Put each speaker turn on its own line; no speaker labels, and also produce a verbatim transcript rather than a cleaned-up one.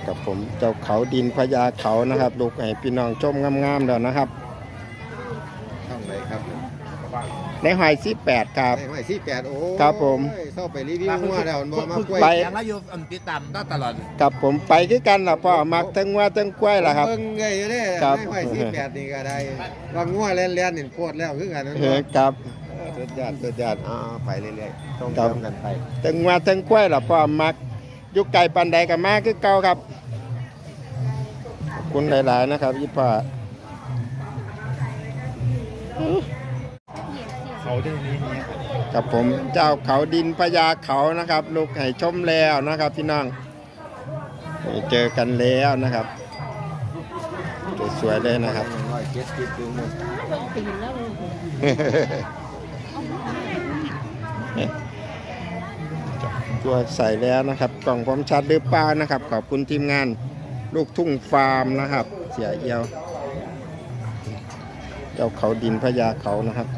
กับผมเจ้าเขาดินพญาเขานะครับลูกให้พี่น้องชมงามๆเดี๋ยวนะครับ
ช่องไหนครับ
ในหอยสิบแปดครับ
ในหอยสี่แปดโอ้
ครับผม
เข้าไปรีวิวว่าแล้วมันมากล้วย
ไป
ยังเราอยู่ติดตามตลอด
กับผมไปคือกันล่ะพ่อมักทั้งว่าทั้งกล้วยล่ะครับ
เบิ่งไงอยู่เด้
ครับ
ในหอยสี่แปดนี่ก็ได้ว่างัวเล่นๆนี่โคตรแล้วคือกันนั่น
เออครับ
สุดยอดสุดยอดอ่าไปเรื่อยๆต้อง
ครับ
เติมกันไป
ทั้งว่าทั้งกล้วยล่ะพ่อมักอยู่ไกลปานใดก็มาคือเก่าครับขอบคุณหลายๆนะครับพี่พ่อ
เขาจะมีนี้
กับผมเจ้าเขาดินพญาเขานะครับลูกให้ชมแล้วนะครับพี่น้องเจอกันแล้วนะครับสวยๆเลยนะครับ
ร้อยเจ็ดสิบถึงหมด
ตัวใส่แล้วนะครับกล่องความชัดหรือเปล่านะครับขอบคุณทีมงานลูกทุ่งฟาร์มนะครับเสียเอียวเจ้าเขาดินพญาเขานะครับ